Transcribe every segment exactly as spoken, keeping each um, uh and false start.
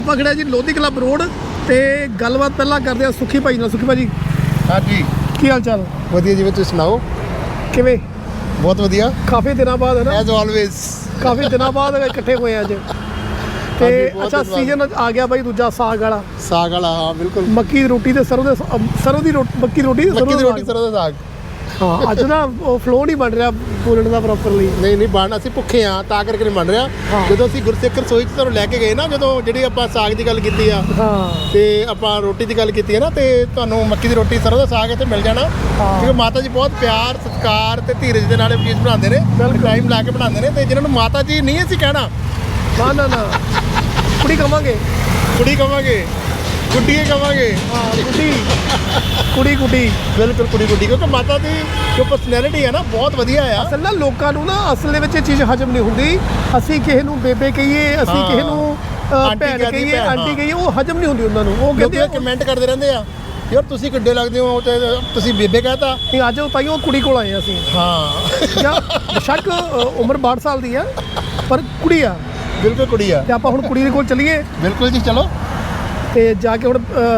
पकड़ा जी Lodhi club road ते गलबात पहला करते हैं सुखी भाई नाल। सुखी भाजी हाँ जी की हाल चाल? वधिया जी, तुसीं सुनाओ? किवें? बहुत वधिया। काफ़ी दिनों बाद है ना, एज ऑलवेज काफ़ी दिनों बाद इकट्ठे हुए अज ते अच्छा सीजन आ गया भाई दूजा साग वाला। साग वाला हाँ बिल्कुल। मक्की दी रोटी ते सरों दे सरों दी रोटी मक्की दी रोटी मक्की दी रोटी सरों दा साग। हाँ अज ना फ्लो नहीं बन रहा बोलने का प्रॉपरली। नहीं नहीं बन ਅਸੀਂ ਭੁੱਖੇ ਆ ਤਾਂ ਕਰਕੇ ਨਹੀਂ ਬਣ ਰਿਹਾ। ਜਦੋਂ ਅਸੀਂ ਗੁਰਸਿੱਖ ਰਸੋਈ 'ਚ ਤੁਹਾਨੂੰ ਲੈ ਕੇ ਗਏ ਨਾ, ਜਦੋਂ ਜਿਹੜੀ ਆਪਾਂ ਸਾਗ ਦੀ ਗੱਲ ਕੀਤੀ ਆ ਹਾਂ ਤੇ ਆਪਾਂ ਰੋਟੀ ਦੀ ਗੱਲ ਕੀਤੀ ਹੈ ਨਾ, ਤੇ ਤੁਹਾਨੂੰ ਮੱਕੀ ਦੀ ਰੋਟੀ ਸਰੋਂ ਦਾ ਸਾਗ ਇੱਥੇ ਮਿਲ ਜਾਣਾ। ਕਿਉਂਕਿ ਮਾਤਾ ਜੀ ਬਹੁਤ ਪਿਆਰ ਸਤਿਕਾਰ ਤੇ ਧੀਰਜ ਦੇ ਨਾਲ ਇਹ ਚੀਜ਼ ਬਣਾਉਂਦੇ ਨੇ, ਟਾਈਮ ਲਾ ਕੇ ਬਣਾਉਂਦੇ ਨੇ। ਤੇ ਜਿਨ੍ਹਾਂ ਨੂੰ ਮਾਤਾ ਜੀ ਨਹੀਂ ਅਸੀਂ ਕਹਿਣਾ, ਨਾ ਨਾ ਨਾ ਕੁੜੀ ਕਵਾਂਗੇ, ਕੁੜੀ ਕਵਾਂਗੇ, ਗੁੱਡੀਏ ਕਵਾਂਗੇ। ਹਾਂ ਕੁੜੀ ਕੁੜੀ ਕੁੜੀ ਬਿਲਕੁਲ ਕੁੜੀ ਗੁੱਡੀ, ਕਿਉਂਕਿ ਮਾਤਾ ਦੀ ਜੋ ਪਰਸਨੈਲਿਟੀ ਹੈ ਨਾ ਬਹੁਤ ਵਧੀਆ ਆ। ਅਸਲ ਨਾ ਲੋਕਾਂ ਨੂੰ ਨਾ ਅਸਲ ਦੇ ਵਿੱਚ ਇਹ ਚੀਜ਼ ਹਜਮ ਨਹੀਂ ਹੁੰਦੀ। ਅਸੀਂ ਕਿਸੇ ਨੂੰ ਬੇਬੇ ਕਹੀਏ, ਅਸੀਂ ਕਿਸੇ ਨੂੰ ਭੈਣ ਕਹੀਏ, ਆਂਟੀ ਕਹੀਏ, ਉਹ ਹਜਮ ਨਹੀਂ ਹੁੰਦੀ ਉਹਨਾਂ ਨੂੰ। ਉਹ ਕਹਿੰਦੇ ਕਮੈਂਟ ਕਰਦੇ ਰਹਿੰਦੇ ਆ ਯਾਰ ਤੁਸੀਂ ਕਿੱਡੇ ਲੱਗਦੇ ਹੋ ਤੇ ਤੁਸੀਂ ਬੇਬੇ ਕਹਤਾ। ਨਹੀਂ ਅੱਜ ਤਾਈਓ ਕੁੜੀ ਕੋਲ ਆਏ ਅਸੀਂ। ਹਾਂ ਜਾਂ ਬੇਸ਼ੱਕ ਉਮਰ ਬਾਹਠ ਸਾਲ ਦੀ ਆ ਪਰ ਕੁੜੀ ਆ। ਬਿਲਕੁਲ ਕੁੜੀ ਆ। ਤੇ ਆਪਾਂ ਹੁਣ ਕੁੜੀ ਦੇ ਕੋਲ ਚੱਲੀਏ। ਬਿਲਕੁਲ ਜੀ ਚਲੋ। ਤੇ ਜਾ ਕੇ ਹੁਣ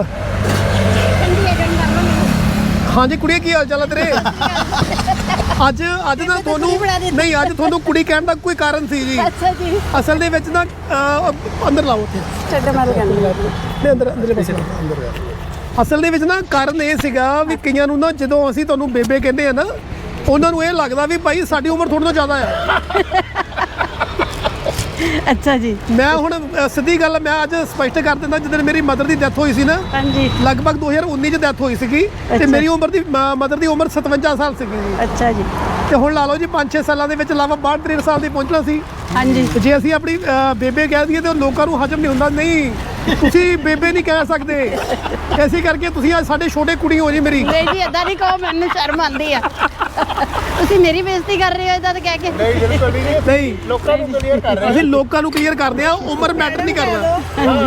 ਹਾਂਜੀ ਕੁੜੀ ਕੀ ਹਾਲ ਚਾਲ ਹੈ ਤੇਰੇ? ਅੱਜ ਅੱਜ ਨਾ ਤੁਹਾਨੂੰ ਨਹੀਂ ਅੱਜ ਤੁਹਾਨੂੰ ਕੁੜੀ ਕਹਿਣ ਦਾ ਕੋਈ ਕਾਰਨ ਸੀ ਜੀ। ਅੱਛਾ ਜੀ। ਅਸਲ ਦੇ ਵਿੱਚ ਨਾ ਅੰਦਰ ਲਾਓ ਉੱਥੇ ਛੱਡ ਮਾਰ ਕਹਿੰਦੇ ਨਹੀਂ ਅੰਦਰ ਅੰਦਰਲੇ ਪਾਸੇ ਅਸਲ ਦੇ ਵਿੱਚ ਨਾ ਕਾਰਨ ਇਹ ਸੀਗਾ ਵੀ ਕਈਆਂ ਨੂੰ ਨਾ ਜਦੋਂ ਅਸੀਂ ਤੁਹਾਨੂੰ ਬੇਬੇ ਕਹਿੰਦੇ ਆ ਨਾ, ਉਹਨਾਂ ਨੂੰ ਇਹ ਲੱਗਦਾ ਵੀ ਭਾਈ ਸਾਡੀ ਉਮਰ ਤੁਹਾਡੇ ਤੋਂ ਜ਼ਿਆਦਾ ਆ। ਅੱਛਾ ਜੀ। ਮੈਂ ਹੁਣ ਸਿੱਧੀ ਗੱਲ ਮੈਂ ਅੱਜ ਸਪਸ਼ਟ ਕਰ ਦਿੰਦਾ, ਜਦੋਂ ਮੇਰੀ ਮਦਰ ਦੀ ਡੈਥ ਹੋਈ ਸੀ ਨਾ, ਹਾਂਜੀ ਲਗਭਗ ਦੋ ਹਜ਼ਾਰ ਉੱਨੀ ਚ ਡੈਥ ਹੋਈ ਸੀਗੀ ਤੇ ਮੇਰੀ ਉਮਰ ਦੀ ਮਦਰ ਦੀ ਉਮਰ ਸਤਵੰਜਾ ਸਾਲ ਸੀਗੀ ਜੀ। ਅੱਛਾ ਜੀ। ਤੇ ਹੁਣ ਲਾ ਲਓ ਜੀ ਪੰਜ ਛੇ ਸਾਲਾਂ ਦੇ ਵਿੱਚ ਲਾਵਾ ਬਾਹਠ ਤ੍ਰੇਹਠ ਸਾਲ ਦੀ ਪਹੁੰਚਣਾ ਸੀ। ਹਾਂਜੀ ਜੇ ਅਸੀਂ ਆਪਣੀ ਬੇਬੇ ਕਹਿ ਦਈਏ ਤੇ ਲੋਕਾਂ ਨੂੰ ਹਜਮ ਨਹੀਂ ਹੁੰਦਾ। ਨਹੀਂ ਤੁਸੀਂ ਬੇਬੇ ਨਹੀਂ ਕਹਿ ਸਕਦੇ, ਐਸੀ ਕਰਕੇ ਤੁਸੀਂ ਅੱਜ ਸਾਡੇ ਛੋਟੇ ਕੁੜੀ ਹੋ ਜੀ ਮੇਰੀ। ਨਹੀਂ ਜੀ ਏਦਾਂ ਨਹੀਂ ਕਹੋ, ਮੈਨੂੰ ਸ਼ਰਮ ਆਉਂਦੀ ਆ। ਤੁਸੀਂ ਮੇਰੀ ਬੇਇੱਜ਼ਤੀ ਕਰ ਰਹੇ ਹੋ ਏਦਾਂ ਕਹਿ ਕੇ। ਨਹੀਂ ਬਿਲਕੁਲ ਨਹੀਂ। ਨਹੀਂ ਲੋਕਾਂ ਨੂੰ ਕਲੀਅਰ ਕਰ ਰਹੇ ਅਸੀਂ ਲੋਕਾਂ ਨੂੰ ਕਲੀਅਰ ਕਰਦੇ ਆ, ਉਮਰ ਮੈਟਰ ਨਹੀਂ ਕਰਦਾ।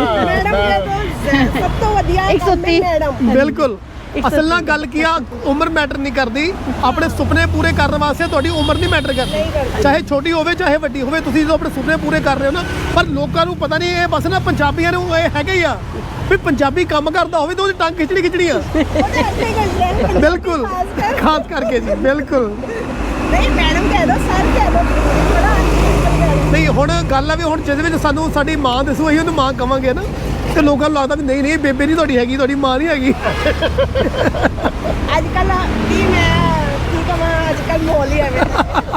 ਸਭ ਤੋਂ ਵਧੀਆ ਇੱਕ ਸੌ ਤੀਹ ਮੈਡਮ। ਬਿਲਕੁਲ ਅਸਲ ਨਾਲ ਗੱਲ ਕੀ ਆ, ਉਮਰ ਮੈਟਰ ਨਹੀਂ ਕਰਦੀ। ਆਪਣੇ ਸੁਪਨੇ ਪੂਰੇ ਕਰਨ ਵਾਸਤੇ ਤੁਹਾਡੀ ਉਮਰ ਨਹੀਂ ਮੈਟਰ ਕਰਦੀ, ਚਾਹੇ ਛੋਟੀ ਹੋਵੇ ਚਾਹੇ ਵੱਡੀ ਹੋਵੇ। ਤੁਸੀਂ ਜਦੋਂ ਆਪਣੇ ਸੁਪਨੇ ਪੂਰੇ ਕਰ ਰਹੇ ਹੋ ਨਾ, ਪਰ ਲੋਕਾਂ ਨੂੰ ਪਤਾ ਨਹੀਂ ਇਹ ਬਸ ਨਾ ਪੰਜਾਬੀਆਂ ਨੂੰ ਇਹ ਹੈਗੇ ਹੀ ਆ ਵੀ ਪੰਜਾਬੀ ਕੰਮ ਕਰਦਾ ਹੋਵੇ ਤਾਂ ਉਹਦੀ ਟੰਗ ਖਿਚੜੀ ਖਿਚੜੀ ਆ। ਬਿਲਕੁਲ ਖਾਸ ਕਰਕੇ ਜੀ ਬਿਲਕੁਲ। ਨਹੀਂ ਮੈਡਮ ਕਹਿ ਦੋ, ਸਰ ਕਹਿ ਦੋ। ਨਹੀਂ ਹੁਣ ਗੱਲ ਆ ਵੀ ਹੁਣ ਜਿਹਦੇ ਵਿੱਚ ਸਾਨੂੰ ਸਾਡੀ ਮਾਂ ਦੱਸੋ ਅਸੀਂ ਉਹਨੂੰ ਮਾਂ ਕਵਾਂਗੇ ਨਾ, ਤੇ ਲੋਕਾਂ ਨੂੰ ਲੱਗਦਾ ਵੀ ਨਹੀਂ ਨਹੀਂ ਬੇਬੇ ਨਹੀਂ ਤੁਹਾਡੀ ਹੈਗੀ, ਤੁਹਾਡੀ ਮਾਂ ਨਹੀਂ ਹੈਗੀ। ਅੱਜ ਕੱਲ ਕੀ ਮੈਂ ਕੀ ਕਹਾਂ, ਅੱਜ ਕੱਲ ਮਾਹੌਲ ਹੀ ਐਵੇਂ।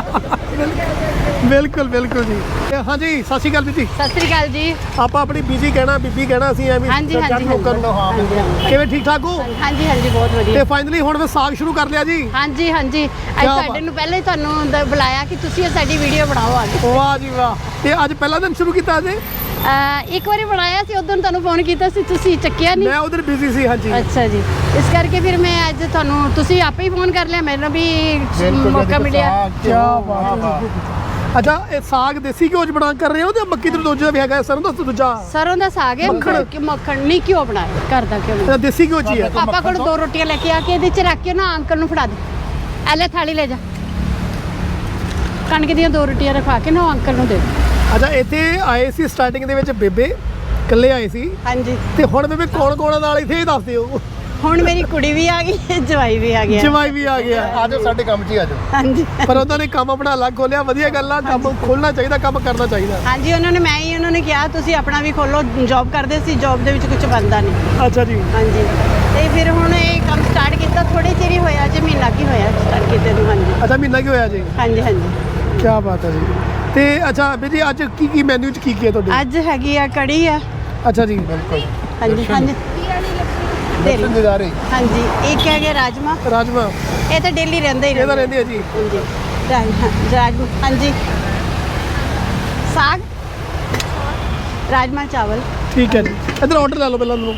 ਬਿਲਕੁਲ ਬਿਲਕੁਲ ਜੀ। ਹਾਂਜੀ ਸਤਿ ਸ਼੍ਰੀ ਅਕਾਲ ਬੀਜੀ। ਸਤਿ ਸ੍ਰੀ ਅਕਾਲ ਜੀ। ਆਪਾਂ ਆਪਣੀ ਬੀਜੀ ਕਹਿਣਾ, ਬੀਬੀ ਕਹਿਣਾ, ਅਸੀਂ ਐਵੇਂ ਹਾਂਜੀ ਹਾਂਜੀ ਲੋਕਾਂ ਨੂੰ। ਹਾਂ ਕਿਵੇਂ ਠੀਕ ਠਾਕ ਹੋ? ਹਾਂਜੀ ਹਾਂਜੀ ਬਹੁਤ ਵਧੀਆ। ਤੇ ਫਾਈਨਲੀ ਹੁਣ ਮੈਂ ਸਾਗ ਸ਼ੁਰੂ ਕਰ ਲਿਆ ਜੀ। ਹਾਂਜੀ ਹਾਂਜੀ ਅੱਜ ਤੁਹਾਡੇ ਨੂੰ ਪਹਿਲਾਂ ਹੀ ਤੁਹਾਨੂੰ ਦ- ਬੁਲਾਇਆ ਕਿ ਤੁਸੀਂ ਇਹ ਸਾਡੀ ਵੀਡੀਓ ਬਣਾਓ ਆ ਕੇ। ਵਾਹ ਜੀ ਵਾਹ। ਤੇ ਅੱਜ ਪਹਿਲਾ ਦਿਨ ਸ਼ੁਰੂ ਕੀਤਾ ਅੱਜ? ਅਹ ਇੱਕ ਵਾਰੀ ਬਣਾਇਆ ਸੀ, ਉਦੋਂ ਤੁਹਾਨੂੰ ਫੋਨ ਕੀਤਾ ਸੀ, ਤੁਸੀਂ ਚੱਕਿਆ ਨਹੀਂ। ਮੈਂ ਉਧਰ ਬਿਜ਼ੀ ਸੀ। ਹਾਂਜੀ ਅੱਛਾ ਜੀ। ਇਸ ਕਰਕੇ ਫਿਰ ਮੈਂ ਅੱਜ ਤੁਹਾਨੂੰ, ਤੁਸੀਂ ਆਪੇ ਹੀ ਫੋਨ ਕਰ ਲਿਆ, ਮੈਨੂੰ ਵੀ ਮੌਕਾ ਮਿਲਿਆ। ਕੀ ਬਾਤ ਹੈ। ਅੱਛਾ ਇਹ ਸਾਗ ਦੇਸੀ ਘਿਓ ਚ ਬਣਾ ਕਰ ਰਹੇ ਹੋ ਤੇ ਮੱਕੀ ਦਾ ਦੂਜਾ ਵੀ ਹੈਗਾ ਸਰੋਂ ਦਾ ਦੂਜਾ? ਸਰੋਂ ਦਾ ਸਾਗ ਹੈ। ਮੱਖਣ? ਕਿ ਮੱਖਣ ਨਹੀਂ, ਘਿਓ ਬਣਾਇਆ ਘਰ ਦਾ ਘਿਓ। ਇਹ ਦੇਸੀ ਘਿਓ ਚ ਹੀ ਹੈ। ਪਾਪਾ ਕੋਲ ਦੋ ਰੋਟੀਆਂ ਲੈ ਕੇ ਆ ਕੇ ਇਹਦੇ ਚ ਰੱਖ ਕੇ ਨਾ ਅੰਕਲ ਨੂੰ ਫੜਾ ਦੇ। ਐ ਲੈ ਥਾਲੀ ਲੈ ਜਾ, ਕਣਕ ਦੀਆਂ ਦੋ ਰੋਟੀਆਂ ਰਖਵਾ ਕੇ ਨਾ ਅੰਕਲ ਨੂੰ ਦੇ ਦੇ। ਅੱਛਾ ਇੱਥੇ ਆਏ ਸੀ ਸਟਾਰਟਿੰਗ ਦੇ ਵਿੱਚ ਬੇਬੇ ਇਕੱਲੇ ਆਏ ਸੀ, ਹਾਂਜੀ। ਤੇ ਹੁਣ ਬੇਬੇ ਕੌਣ ਕੌਣ ਨਾਲ ਇੱਥੇ ਇਹ ਦੱਸ ਦਿਓ। ਹੁਣ ਮੇਰੀ ਕੁੜੀ ਵੀ ਆ ਗਈ, ਜਵਾਈ ਵੀ ਆ ਗਿਆ। ਜਵਾਈ ਵੀ ਆ ਗਿਆ। ਆਜੋ ਸਾਡੇ ਕੰਮ 'ਚ ਹੀ ਆਜੋ। ਹਾਂਜੀ ਪਰ ਉਹਨਾਂ ਨੇ ਕੰਮ ਆਪਣਾ ਅਲੱਗ ਖੋਲਿਆ। ਵਧੀਆ ਗੱਲ ਆ, ਕੰਮ ਖੋਲਣਾ ਚਾਹੀਦਾ, ਕੰਮ ਕਰਨਾ ਚਾਹੀਦਾ। ਹਾਂਜੀ ਉਹਨਾਂ ਨੇ, ਮੈਂ ਹੀ ਉਹਨਾਂ ਨੇ ਕਿਹਾ ਤੁਸੀਂ ਆਪਣਾ ਵੀ ਖੋਲੋ। ਜੌਬ ਕਰਦੇ ਸੀ, ਜੌਬ ਦੇ ਵਿੱਚ ਕੁਝ ਬਣਦਾ ਨਹੀਂ। ਅੱਛਾ ਜੀ। ਹਾਂਜੀ ਤੇ ਫਿਰ ਹੁਣ ਇਹ ਕੰਮ ਸਟਾਰਟ ਕੀਤਾ, ਥੋੜੇ ਚਿਰ ਹੀ ਹੋਇਆ, ਜੇ ਮਹੀਨਾ ਕੀ ਹੋਇਆ ਸਟਾਰਟ ਕੀਤੇ ਨੂੰ। ਹਾਂਜੀ ਅੱਛਾ ਮਹੀਨਾ ਕੀ ਹੋਇਆ ਜੀ? ਹਾਂਜੀ ਹਾਂਜੀ। ਕੀ ਬਾਤ ਹੈ ਜੀ। ਤੇ ਅੱਛਾ ਬੀ ਜੀ ਅੱਜ ਕੀ ਕੀ ਮੈਨੂ ਚ ਕੀ ਕੀ ਹੈ ਤੁਹਾਡੇ? ਅੱਜ ਹੈਗੀ ਆ ਕੜੀ ਆ। ਅੱਛਾ ਜੀ। ਬਿਲਕੁਲ ਹਾਂਜੀ ਹਾਂਜੀ ਤੇਰੀ ਨਜ਼ਾਰੇ। ਹਾਂਜੀ ਇੱਕ ਹੈਗੇ ਰਾਜਮਾ। ਰਾਜਮਾ ਇਹ ਤਾਂ ਡੇਲੀ ਰਹਿੰਦਾ ਹੀ ਇਹ ਤਾਂ ਰਹਿੰਦੇ ਆ ਜੀ। ਹਾਂਜੀ ਰਾਜ- ਰਾਜਮਾ ਹਾਂਜੀ। ਸਾਗ, ਰਾਜਮਾ ਚਾਵਲ ਠੀਕ ਹੈ ਜੀ। ਇੱਧਰ ਆਰਡਰ ਲੈ ਲਓ ਪਹਿਲਾਂ ਮੈਨੂੰ।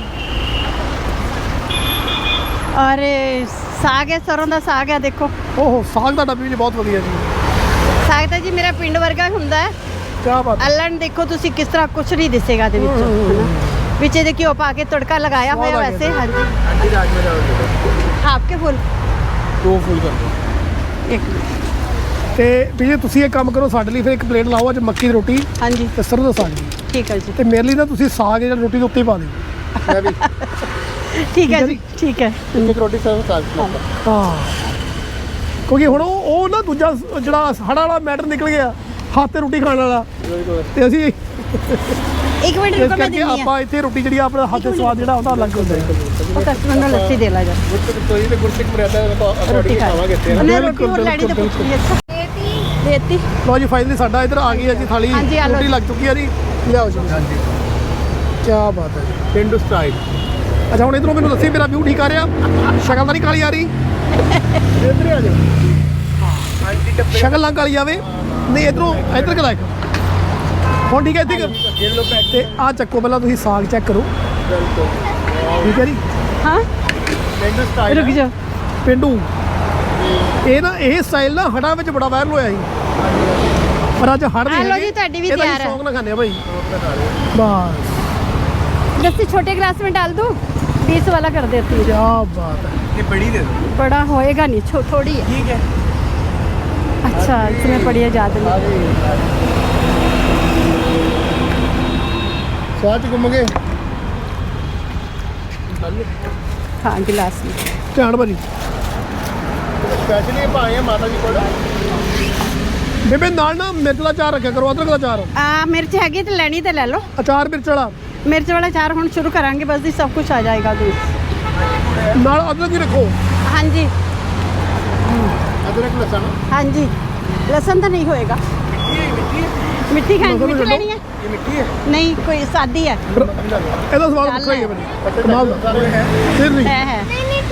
ਔਰ ਸਾਗ ਹੈ, ਸਰੋਂ ਦਾ ਸਾਗ ਹੈ। ਦੇਖੋ ਓਹੋ ਸਾਗ ਦਾ ਡੱਬੀ ਵੀ ਬਹੁਤ ਵਧੀਆ ਜੀ। ਸਾਗ ਤਾਂ ਜੀ ਮੇਰਾ ਪਿੰਡ ਵਰਗਾ ਹੁੰਦਾ ਹੈ। ਕੀ ਬਾਤ ਹੈ। ਅੱਲਣ ਦੇਖੋ ਤੁਸੀਂ ਕਿਸ ਤਰ੍ਹਾਂ ਕੁਛ ਨਹੀਂ ਦਿਸੇਗਾ ਦੇ ਵਿੱਚ, ਹਨਾ। ਵਿੱਚ ਇਹਦੇ ਘਿਓ ਪਾ ਕੇ ਤੜਕਾ ਲਗਾਇਆ ਹੋਇਆ ਵੈਸੇ। ਹਾਂਜੀ ਹਾਂਜੀ ਰਾਜਮਾ ਚਾਵਲ ਦੇ ਦਿਓ। ਹਾਫ ਕੇ ਫੁੱਲ ਦੋ ਫੁੱਲ ਕਰ ਦਿਓ। ਇੱਕ ਤੇ ਵੀ ਜੇ ਤੁਸੀਂ ਇਹ ਕੰਮ ਕਰੋ ਸਾਡੇ ਲਈ, ਫਿਰ ਇੱਕ ਪਲੇਟ ਲਾਓ ਅੱਜ ਮੱਕੀ ਦੀ ਰੋਟੀ ਹਾਂਜੀ ਤੇ ਸਰੋਂ ਦਾ ਸਾਗ ਜੀ। ਠੀਕ ਹੈ ਜੀ ਤੇ ਮੇਰੇ ਲਈ ਨਾ ਤੁਸੀਂ ਸਾਗ ਜਿਹੜਾ ਰੋਟੀ ਦੇ ਉੱਤੇ ਹੀ ਪਾ ਦਿਓ। ਮੈਂ ਵੀ ਠੀਕ ਹੈ ਜੀ ਠੀਕ ਹੈ ਇੱਕ ਰੋਟੀ ਸਰਵ ਸਾਗ ਪਲੇਟ ਹਾਂ ਕਿਉਂਕਿ ਹੁਣ ਉਹ ਉਹ ਨਾ ਦੂਜਾ ਜਿਹੜਾ ਹੜਾ ਵਾਲਾ ਮੈਟਰ ਨਿਕਲ ਗਿਆ, ਹੱਥ ਤੇ ਰੋਟੀ ਖਾਣ ਵਾਲਾ, ਤੇ ਅਸੀਂ ਇੱਕ ਮਿੰਟ ਇਸ ਰੁਕੋ ਮੈਂ ਕਰਕੇ ਦਿੰਦੀ ਆ ਆਪਾਂ ਇੱਥੇ ਰੋਟੀ ਜਿਹੜੀ ਆ ਆਪਣਾ ਹੱਥ ਦੇ ਸਵਾਦ ਜਿਹੜਾ ਉਹਦਾ ਅਲੱਗ ਹੁੰਦਾ ਹੈ। ਉਹ ਕਸਟਮਰ ਨੂੰ ਲੱਸੀ ਦੇ ਲਾ ਜਾ ਗੁਰਸਿੱਖ ਤੋਈ ਤੇ ਗੁਰਸਿੱਖ ਮਰਿਆਦਾ ਦਾ ਰੋਟੀ ਅਕੋਰਡਿੰਗ ਖਾ ਖਾਵਾਂਗੇ ਇੱਥੇ ਨਾ। ਉਹਨੇ ਰੋਟੀ ਬਿਲਕੁਲ, ਹੋਰ ਲੈਣੀ ਤੇ ਬਿਲਕੁਲ, ਪੁੱਛੀ ਅੱਛਾ ਦੇਤੀ ਲਓ ਜੀ ਫਾਈਨਲੀ ਸਾਡਾ ਇੱਧਰ ਆ ਗਈ ਹੈ ਜੀ ਥਾਲੀ, ਹਾਂਜੀ, ਆ ਲਓ ਰੋਟੀ ਜੀ। ਲੱਗ ਚੁੱਕੀ ਹੈ ਜੀ, ਲਿਆਓ ਜੀ। ਹਾਂਜੀ ਕੀ ਬਾਤ ਹੈ ਜੀ। ਪਿੰਡੂ ਸਟਾਈਲ ਅੱਛਾ ਹੁਣ ਇਧਰੋਂ ਮੈਨੂੰ ਦੱਸੀ ਮੇਰਾ ਵਿਊ ਠੀਕ ਆ ਰਿਹਾ, ਸ਼ਕਲ ਤਾਂ ਨਹੀਂ ਕਾਲੀ ਆ ਰਹੀ, ਇੱਧਰ ਆ ਜਾਓ। ਹਾਂਜੀ ਟੱਪੇ ਸ਼ਕਲ ਨਾ ਕਾਲੀ ਆਵੇ, ਨਹੀਂ ਇਧਰੋਂ ਇੱਧਰ ਕਿਲਾ ਇੱਕ ਹੁਣ ਠੀਕ ਹੈ ਇੱਥੇ ਦੇ ਲੋ ਪੈਕ ਤੇ ਆ ਚੱਕੋ ਪਹਿਲਾਂ ਤੁਸੀਂ ਸਾਗ ਚੈੱਕ ਕਰੋ, ਬਿਲਕੁਲ ਠੀਕ ਹੈ ਜੀ। ਹਾਂ ਪਿੰਡੂ ਸਟਾਈਲ ਰੁਕ ਜਾ ਪਿੰਡੂ ਇਹ ਨਾ ਇਹ ਸਟਾਈਲ ਨਾ ਹੜਾਂ ਵਿੱਚ ਬੜਾ ਵਾਇਰਲ ਹੋਇਆ ਸੀ, ਪਰ ਅੱਜ ਹੜ ਆ ਲਓ ਜੀ, ਤੁਹਾਡੀ ਵੀ ਇਹਦਾ ਤਿਆਰ ਹੈ। ਸ਼ੌਂਕ ਨਾ ਖਾਣੇ ਆ ਭਾਈ ਬਸ। लस्सी छोटे गिलास में डाल दूँ बीस वाला कर देती हूँ ਕੀ ਬਾਤ ਹੈ। ये बड़ी दे दो बड़ा होएगा नहीं छो थोड़ी है ठीक है अच्छा इसमें पड़ी है ज़्यादा नहीं स्वाद घूमोगे हाँ गिलास में ਧਿਆਨ ਭਾਜੀ स्पेशली भाई है माता जी को ਬੇਬੇ ਨਾਲ ਨਾ ਮਿਰਚ ਦਾ ਚਾਰ ਰੱਖਿਆ ਕਰੋ, ਅਦਰਕ ਦਾ ਚਾਰ, आ मिर्च हैगी तो लेनी तो ले लो ਅਚਾਰ ਮਿਰਚ ਵਾਲਾ मिर्च वाला चार हम शुरू करांगे बस जी सब कुछ आ जाएगा दूध ਨਾਲ ਅਦਰਕ ਵੀ ਰੱਖੋ। हाँ जी अदरक लहसुन हाँ जी लहसुन तो नहीं होएगा मिट्टी खाएंगे लहसुन मिट्टी छड्डो। लेनी है ये मिट्टी है नहीं कोई सादी है ਇਹਦਾ ਸਵਾਦ ਚੱਲ ਵੱਖਰਾ ਹੀ ਹੈ अच्छा, ਭਾਜੀ, ਕਮਾਲ ਦਾ। है ਫਿਰ ਨਹੀਂ है है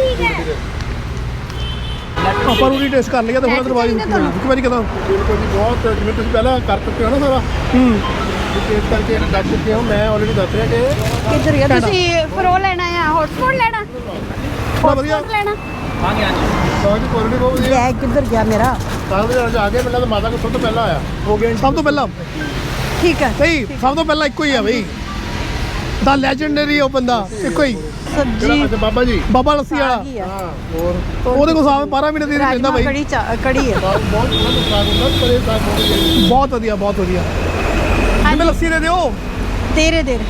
ਆਪਾਂ ਨੂੰ ਟੇਸਟ ਕਰ ਲਿਆ ਤੇ ਹੁਣ ਦਰਵਾਜ਼ੇ ਇੱਕ ਵਾਰੀ ਕਦਾਂ बिल्कुल जी बहुत जिम्मे तुम पहले कर चुके हो ना सारा ਹੂੰ टेस्ट करके दस चुके हो मैं ऑलरेडी दस रहा कि किधर गया तुसी फ्रो लेना है हॉटस्पॉट लेना ਬੜਾ ਵਧੀਆ। हॉटस्पॉट लेना बहुत क्वालिटी बहुत बढ़िया बैग किधर गया मेरा साल में आगे मिला तो माता को सब तो पहला आया हो गया ਸਭ ਤੋਂ ਪਹਿਲਾਂ ठीक है ਨਹੀਂ ਸਭ ਤੋਂ ਪਹਿਲਾਂ ਇੱਕੋ ਹੀ ਆ ਬਈ, ਦਾ ਲੈਜੈਂਡਰੀ ਉਹ ਬੰਦਾ ਇੱਕੋ ਹੀ, सब्जी अच्छा बाबा जी ਬਾਬਾ ਲੱਸੀ ਵਾਲਾ। सागी है हाँ और ਉਹਦੇ ਕੋਲ ਸਾਹ ਬਾਰਾਂ ਮਹੀਨੇ ਦੀ ਰਹਿੰਦਾ राजमा ਬਈ। कड़ी चा- कड़ी है बहुत बहुत बहुत स्वाद होता है पर ये साग बहुत बढ़िया ਬਹੁਤ ਵਧੀਆ ਬਹੁਤ ਵਧੀਆ। हाँ ਜਿਵੇਂ जी, ਲੱਸੀ ਦੇ ਦਿਓ, तेरे देर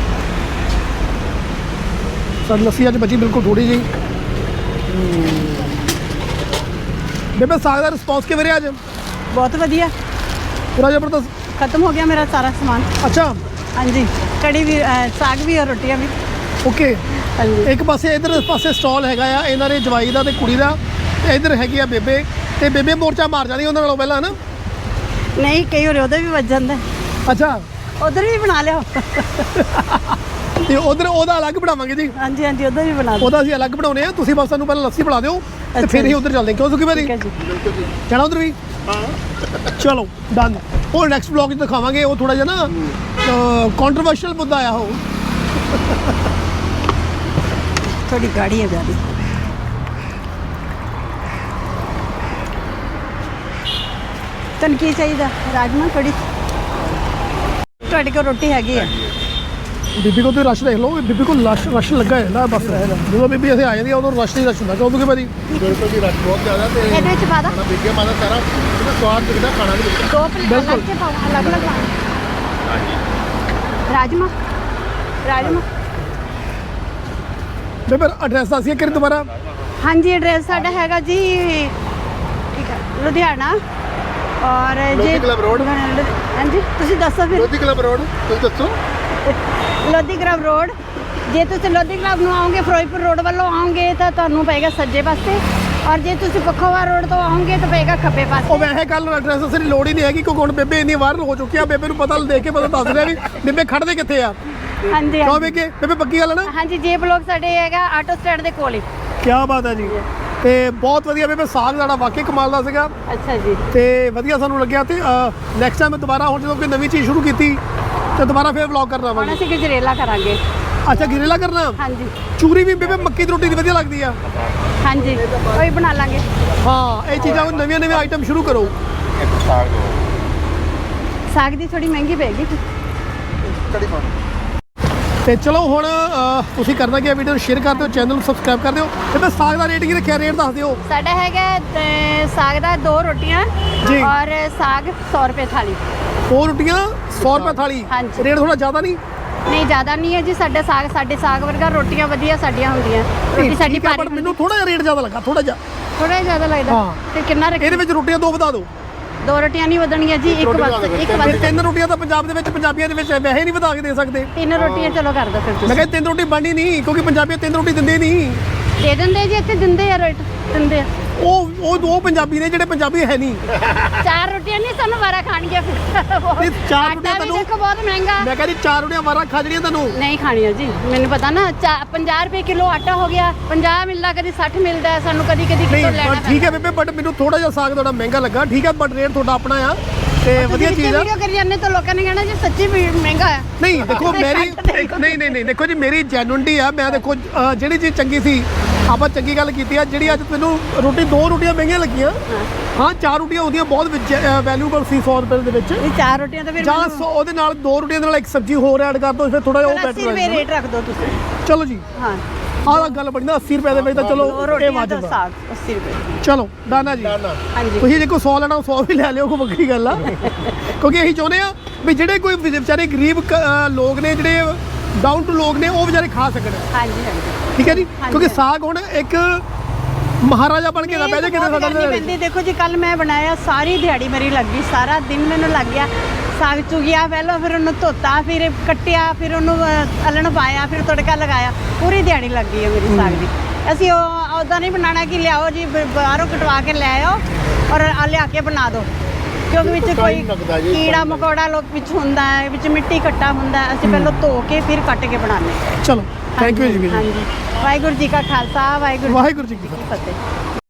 ਸਾਡੀ ਲੱਸੀ ਅੱਜ ਬਚੀ ਬਿਲਕੁਲ ਥੋੜੀ ਜਿਹੀ। ਬੇਬੇ ਸਾਗ ਦਾ ਰਿਸਪੌਂਸ ਕਿਵੇਂ ਰਿਹਾ ਅੱਜ? बहुत बढ़िया ਪੂਰਾ ਜ਼ਬਰਦਸਤ। खत्म हो गया मेरा सारा सामान ਅੱਛਾ हाँ जी कड़ी भी अ, साग भी और रोटियां भी ਓਕੇ। हाँ जी ਇੱਕ ਪਾਸੇ ਇਧਰ ਪਾਸੇ ਸਟਾਲ ਹੈਗਾ ਆ ਇਹਨਾਂ ਦੇ ਜਵਾਈ ਦਾ ਤੇ ਕੁੜੀ ਦਾ, ਤੇ ਇਧਰ ਹੈਗੀ ਆ ਬੇਬੇ, ਤੇ ਬੇਬੇ ਮੋਰਚਾ ਮਾਰ ਜਾਂਦੀ ਉਹਨਾਂ ਨਾਲੋਂ ਪਹਿਲਾਂ ਨਾ। नहीं कई और उधर भी बच जाता है ਅੱਛਾ उधर भी बना लिया ਤੇ ਉਧਰ ਉਹਦਾ ਅਲੱਗ ਬਣਾਵਾਂਗੇ ਜੀ, हाँ जी हाँ जी उधर भी बना दो ਉਹਦਾ ਅਸੀਂ ਅਲੱਗ ਬਣਾਉਨੇ ਆ। ਤੁਸੀਂ ਬਸ ਸਾਨੂੰ ਪਹਿਲਾਂ ਲੱਸੀ ਬਣਾ ਦਿਓ ਤੇ ਅੱਛਾ ਫਿਰ ਜੀ। ਹੀ ਉਧਰ ਚੱਲਦੇ ਹਾਂ। ਕਿਉਂ ਸੁਖੀ ਭਾਜੀ ठीक है जी ਜਾਣਾ ਉਧਰ ਵੀ? ਚਲੋ ਡਨ। ਉਹ ਨੈਕਸਟ ਵਲੌਗ 'ਚ ਦਿਖਾਵਾਂਗੇ, ਉਹ ਥੋੜਾ ਜਿਹਾ ਨਾ ਕੰਟਰੋਵਰਸ਼ੀਅਲ ਮੁੱਦਾ ਆ ਉਹ। थोड़ी गाड़ी है गाड़ी तन की चाहिए राजमा कड़ी ਤੁਹਾਡੇ ਕੋਲ ਰੋਟੀ ਹੈਗੀ ਹੈ ਬੀਬੀ ਕੋਲ ਤੇ ਰਸ਼ ਦੇਖ ਲਓ, ਬੀਬੀ ਕੋਲ ਰਸ਼ ਰਸ਼ ਲੱਗਾ ਹੈ ਨਾ ਬਸ। ਜਦੋਂ ਬੀਬੀ ਅਸੀਂ ਆ ਜਾਂਦੀ ਆ ਉਦੋਂ ਰਸ਼ ਨਹੀਂ ਰਸ਼ ਹੁੰਦਾ। ਕਿਉਂ ਸੁਖੀ ਭਾਜੀ? बिल्कुल जी रश बहुत ज़्यादा तो ਇਹਦੇ ਵਿੱਚ ਪਾ ਦਾਂ खाना बिक गया माता सारा इसमें स्वाद दिखता खाना भी दिखता ਦੋ ਪਲੇਟ ਬਿਲਕੁਲ। ਅਲੱਗ ਕੇ ਪਾਓ ਅਲੱਗ ਅਲੱਗ ਪਾਓ ਰਾਜਮਾ ਰਾਜਮਾ ਬੇਬੇ ਐਡਰੈਸ ਦੱਸੀਏ ਕਿ ਦੁਬਾਰਾ? ਹਾਂਜੀ ਐਡਰੈਸ ਸਾਡਾ ਹੈਗਾ ਜੀ ਠੀਕ ਹੈ ਲੁਧਿਆਣਾ ਔਰ ਲੋਧੀ ਕਲੱਬ ਰੋਡ। ਹਾਂਜੀ ਤੁਸੀਂ ਦੱਸੋ ਫਿਰ लोधी क्लब रोड तुम दसो ਲੋਧੀ ਕਲੱਬ ਰੋਡ। ਜੇ ਤੁਸੀਂ ਲੋਧੀ ਕਲੱਬ ਨੂੰ ਆਓਗੇ ਫਿਰੋਜ਼ਪੁਰ ਰੋਡ ਵੱਲੋਂ ਆਓਗੇ ਤਾਂ ਤੁਹਾਨੂੰ ਪਏਗਾ ਸੱਜੇ ਪਾਸੇ, ਔਰ ਜੇ ਤੁਸੀਂ ਪੱਖੋਵਾ ਰੋਡ ਤੋਂ ਆਓਗੇ ਤਾਂ ਪਏਗਾ ਖੱਬੇ ਉਹ ਪਾਸੇ। ਵੈਸੇ ਕੱਲ ਐਡਰੈਸ ਦੱਸਣ ਦੀ ਲੋੜ ਹੀ ਨਹੀਂ ਹੈਗੀ ਕਿਉਂਕਿ ਹੁਣ ਬੇਬੇ ਇੰਨੀ ਵਾਇਰਲ ਹੋ ਚੁੱਕੀ ਆ, ਬੇਬੇ ਨੂੰ ਪਤਾ ਦੇਖ ਕੇ ਪਤਾ ਦੱਸ ਰਿਹਾ ਵੀ ਬੇਬੇ ਖੜਦੇ ਕਿੱਥੇ ਆ। ਹਾਂਜੀ ਕਿਉਂ ਹਾਂਜੀ ਬੇਕੇ ਬੇਬੇ ਪੱਕੀ ਗੱਲ ਹੈ ਨਾ? ਹਾਂਜੀ ਜੇ ਬਲੋਕ ਸਾਡੇ ਹੈਗਾ ਆਟੋ ਸਟੈਂਡ ਦੇ ਕੋਲ ਹੀ। ਕੀ ਬਾਤ ਹੈ ਜੀ। ਤੇ ਬਹੁਤ ਵਧੀਆ ਬੇਬੇ, ਸਾਗ ਸਾਡਾ ਵਾਕਈ ਕਮਾਲ ਦਾ ਸੀਗਾ ਅੱਛਾ ਜੀ ਤੇ ਵਧੀਆ ਸਾਨੂੰ ਲੱਗਿਆ। ਤੇ ਨੈਕਸਟ ਟਾਈਮ ਦੁਬਾਰਾ ਹੁਣ ਜਦੋਂ ਕੋਈ ਨਵੀਂ ਚੀਜ਼ ਸ਼ੁਰੂ ਕੀਤੀ ਤੇ ਦੁਬਾਰਾ ਫੇਰ ਵਲੌਗ ਕਰਨਾ ਹੁਣ ਆਵਾਂਗੇ। ਅਸੀਂ ਗਜਰੇਲਾ ਕਰਾਂਗੇ। ਅੱਛਾ ਗਿਰੇਲਾ ਕਰਨਾ? ਹਾਂਜੀ ਚੂਰੀ ਵੀ ਬੇਬੇ ਮੱਕੀ ਦੀ ਰੋਟੀ ਦੀ ਵਧੀਆ ਲੱਗਦੀ ਆ। ਹਾਂਜੀ ਉਹੀ ਬਣਾ ਲਾਂਗੇ। ਹਾਂ ਇਹ ਚੀਜ਼ਾਂ ਨਵੀਆਂ ਨਵੀਆਂ ਆਈਟਮ ਸ਼ੁਰੂ ਕਰੋ। ਸਾਗ ਦੀ ਥੋੜੀ ਮਹਿੰਗੀ ਪਏਗੀ कड़ी पाओ ਤੇ ਚਲੋ ਹੁਣ ਅਹ, ਤੁਸੀਂ ਕਰਨਾ ਕੀ ਆ, ਵੀਡੀਓ ਨੂੰ ਸ਼ੇਅਰ ਕਰ ਦਿਓ, ਚੈਨਲ ਨੂੰ ਸਬਸਕ੍ਰਾਈਬ ਕਰ ਦਿਓ। ਤੇ ਮੈਂ ਸਾਗ ਦਾ ਰੇਟ ਕੀ ਰੱਖਿਆ, ਰੇਟ ਦੱਸ ਦਿਓ। ਸਾਡਾ ਹੈਗਾ ਅ, ਸਾਗ ਦਾ ਦੋ ਰੋਟੀਆਂ ਜੀ। ਔਰ ਸਾਗ ਸੌ ਰੁਪਏ ਥਾਲੀ। ਦੋ ਰੋਟੀਆਂ ਸੌ ਰੁਪਏ ਥਾਲੀ ਹਾਂਜੀ। ਰੇਟ ਥੋੜਾ ਜ਼ਿਆਦਾ ਨਹੀਂ ਨਹੀਂ ਜ਼ਿਆਦਾ ਨਹੀਂ ਹੈ ਜੀ, ਸਾਡਾ ਸਾਗ ਸਾਡੇ ਸਾਗ ਵਰਗਾ ਰੋਟੀਆਂ ਵਧੀਆ ਸਾਡੀਆਂ ਹੁੰਦੀਆਂ। ਰੋਟੀ ਸਾਡੀ ਠੀਕ ਹੈ, ਭਾਰੀ ਪਰ ਮੈਨੂੰ ਥੋੜਾ ਜਿਹਾ ਰੇਟ ਜ਼ਿਆਦਾ ਲੱਗਾ ਥੋੜਾ ਜਿਹਾ। ਥੋੜਾ ਜ਼ਿਆਦਾ ਲੱਗਦਾ। ਹਾਂ। ਤੇ ਕਿੰਨਾ ਰੱਖ ਇਹਦੇ ਵਿੱਚ ਰੋਟੀਆਂ ਦੋ ਵਧਾ ਦਿਓ। ਦੋ ਰੋਟੀਆਂ ਨਹੀਂ ਵਧਣਗੀਆਂ ਜੀ, ਇੱਕ ਰੋਟੀ ਬਸ ਵਧਾ ਦਿਓ, ਇੱਕ ਫਿਰ ਬਸ ਤਿੰਨ ਰੋਟੀਆਂ ਤਾਂ ਪੰਜਾਬ ਦੇ ਵਿੱਚ ਪੰਜਾਬੀਆਂ ਦੇ ਵਿੱਚ ਵੈਸੇ ਨਹੀਂ ਵਧਾ ਕੇ ਦੇ ਸਕਦੇ। ਤਿੰਨ ਰੋਟੀਆਂ ਚਲੋ ਕਰ ਦੋ ਫਿਰ ਮੈਂ ਤੁਸੀਂ। ਕਿਹਾ ਤਿੰਨ ਰੋਟੀ ਬਣਨੀ ਨਹੀਂ, ਕਿਉਂਕਿ ਪੰਜਾਬੀ ਤਿੰਨ ਰੋਟੀ ਦਿੰਦੇ ਨਹੀਂ। ਦੇ ਦਿੰਦੇ ਜੀ, ਇੱਥੇ ਦਿੰਦੇ ਆ ਰੇਟ ਦਿੰਦੇ ਆ। ਉਹ ਉਹ ਦੋ ਪੰਜਾਬੀ ਨੇ ਜਿਹੜੇ ਪੰਜਾਬੀ ਹੈ ਨਹੀਂ। ਚਾਰ ਰੋਟੀਆਂ ਨਹੀਂ ਸਾਨੂੰ ਵਾਰਾ ਖਾਣਗੀਆਂ ਫਿਰ। ਨਹੀਂ, ਚਾਰ ਆਟਾ ਰੋਟੀਆਂ ਵੀ ਤੁਹਾਨੂੰ- ਦੇਖੋ ਬਹੁਤ ਮਹਿੰਗਾ। ਮੈਂ ਕਹਿੰਦੀ ਚਾਰ ਰੋਟੀਆਂ ਵਾਰਾ ਖਾ ਜਣੀਆਂ ਤੁਹਾਨੂੰ। ਨਹੀਂ ਖਾਣੀਆਂ ਜੀ, ਮੈਨੂੰ ਪਤਾ ਨਾ। ਪੰਜਾਹ ਰੁਪਏ ਕਿਲੋ ਆਟਾ ਹੋ ਗਿਆ, ਪੰਜਾਹ ਮਿਲਦਾ, ਕਦੀ ਸੱਠ ਮਿਲਦਾ ਹੈ ਸਾਨੂੰ, ਕਦੀ ਕਦੀ ਨਹੀਂ ਕਿਲੋ ਲੈਣਾ ਪਰ ਠੀਕ ਹੈ ਬੇਬੇ, ਬਟ ਮੈਨੂੰ ਥੋੜਾ ਜਿਹਾ ਸਾਗ ਤੁਹਾਡਾ ਮਹਿੰਗਾ ਲੱਗਾ। ਠੀਕ ਹੈ, ਬਟ ਰੇਟ ਤੁਹਾਡਾ ਆਪਣਾ ਆ ਤੇ ਵਧੀਆ ਚੀਜ਼ ਆ। ਵੀਡੀਓ ਕਰੀ ਜਾਂਦੇ ਤਾਂ ਲੋਕਾਂ ਨੇ ਕਹਿਣਾ ਜੀ ਸੱਚੀ ਵੀ ਮਹਿੰਗਾ ਆ। ਨਹੀਂ ਦੇਖੋ ਤੇ ਮੇਰੀ ਘੱਟ ਦੇਖੋ। ਨਹੀਂ ਨਹੀਂ ਨਹੀਂ ਦੇਖੋ ਜੀ, ਮੇਰੀ ਜੈਨੂਇਨਟੀ ਆ। ਮੈਂ ਦੇਖੋ ਅ, ਜਿਹੜੀ ਚੀਜ਼ ਚੰਗੀ ਸੀ ਆਪਾਂ ਚੰਗੀ ਗੱਲ ਕੀਤੀ ਆ। ਜਿਹੜੀ ਅੱਜ ਮੈਨੂੰ ਰੋਟੀ ਦੋ ਰੋਟੀਆਂ ਮਹਿੰਗੀਆਂ ਲੱਗੀਆਂ, ਹਾਂ ਚਾਰ ਰੋਟੀਆਂ ਹੁੰਦੀਆਂ ਬਹੁਤ ਵੈਲਿਊਬਲ ਸੀ ਸੌ ਰੁਪਏ ਦੇ ਵਿੱਚ। ਇਹ ਚਾਰ ਰੋਟੀਆਂ ਤਾਂ ਫਿਰ ਜਾਂ ਮੈਨੂੰ- ਸੌ ਉਹਦੇ ਨਾਲ ਦੋ ਰੋਟੀਆਂ ਦੇ ਨਾਲ ਇੱਕ ਸਬਜ਼ੀ ਹੋਰ ਐਡ ਕਰ ਦੋ, ਫਿਰ ਥੋੜਾ ਜਿਹਾ ਉਹ ਚਲੋ ਅੱਸੀ ਬੈਟਰ ਰੁਪਏ ਹੋ ਰੇਟ ਰੱਖ ਦਿਓ ਤੁਸੀਂ। ਚਲੋ ਜੀ, ਹਾਂ, ਆਹ ਗੱਲ ਬਣੀ ਨਾ ਅੱਸੀ ਰੁਪਏ ਦੇ ਵਿੱਚ ਤਾਂ ਚਲੋ ਦੋ ਇਹ ਰੋਟੀਆਂ ਦਾ ਵਾਜਬ ਆ। ਸਾਗ ਅੱਸੀ ਰੁਪਏ। ਚਲੋ ਡਾਨਾ ਜੀ। ਹਾਂਜੀ ਤੁਸੀਂ ਜੇ ਕੋਈ ਸੌ ਲੈਣਾ ਸੌ ਵੀ ਲੈ ਲਿਓ, ਕੋਈ ਵੱਖਰੀ ਗੱਲ ਆ। ਕਿਉਂਕਿ ਅਸੀਂ ਚਾਹੁੰਦੇ ਆ ਵੀ ਜਿਹੜੇ ਕੋਈ ਵਿਚਾਰੇ ਗਰੀਬ ਕ- ਅ, ਲੋਕ ਨੇ, ਜਿਹੜੇ ਡਾਊਨ ਟੂ ਲੋਕ ਨੇ, ਉਹ ਵਿਚਾਰੇ ਖਾ ਸਕਣ। ਹਾਂਜੀ ਹਾਂਜੀ। ਠੀਕ ਹੈ ਜੀ, ਹਾਂਜੀ। ਕਿਉਂਕਿ ਸਾਗ ਹੁਣ ਇੱਕ ਮਹਾਰਾਜਾ ਬਣ ਕੇ ਨਾ ਬਹਿ ਜਾ ਕਿਤੇ ਬਹੁਤ ਸਾਡਾ ਕਰਨੀ ਪੈਂਦੀ। ਦੇਖੋ ਜੀ, ਕੱਲ ਮੈਂ ਬਣਾਇਆ, ਸਾਰੀ ਦਿਹਾੜੀ ਮੇਰੀ ਲੱਗ ਗਈ, ਸਾਰਾ ਦਿਨ ਮੈਨੂੰ ਲੱਗ ਗਿਆ। ਸਾਗ ਚੁਗਿਆ ਪਹਿਲਾਂ, ਫਿਰ ਉਹਨੂੰ ਧੋਤਾ, ਫਿਰ ਕੱਟਿਆ, ਫਿਰ ਉਹਨੂੰ ਅ, ਅਲਣ ਪਾਇਆ, ਫਿਰ ਤੜਕਾ ਲਗਾਇਆ। ਪੂਰੀ ਦਿਹਾੜੀ ਲੱਗ ਗਈ ਹੈ ਮੇਰੀ ਸਾਗ ਦੀ। ਅਸੀਂ ਉਹ ਉੱਦਾਂ ਨਹੀਂ ਬਣਾਉਣਾ ਕਿ ਲਿਆਓ ਜੀ ਬ- ਬਾਹਰੋਂ ਕਟਵਾ ਕੇ ਲੈ ਆਓ ਔਰ ਆ ਲਿਆ ਕੇ ਬਣਾ ਦਿਓ, ਕਿਉਂਕਿ ਵਿੱਚ ਕੋਈ time ਲੱਗਦਾ ਜੀ, ਕੀੜਾ time ਮਕੌੜਾ ਲੋਕ ਵਿੱਚ ਹੁੰਦਾ ਹੈ, ਵਿੱਚ ਮਿੱਟੀ ਘੱਟਾ ਹੁੰਦਾ ਹੈ। ਅਸੀਂ ਪਹਿਲਾਂ ਧੋ ਕੇ ਫਿਰ ਕੱਟ ਕੇ ਬਣਾਉਂਦੇ ਹਾਂ। ਚਲੋ ਥੈਂਕ ਯੂ ਜੀ। ਹਾਂਜੀ, ਵਾਹਿਗੁਰੂ ਜੀ ਕਾ ਖਾਲਸਾ, ਵਾਹਿਗੁਰੂ ਵਾਹਿਗੁਰੂ ਜੀ ਕੀ ਕੀ ਫਤਿਹ।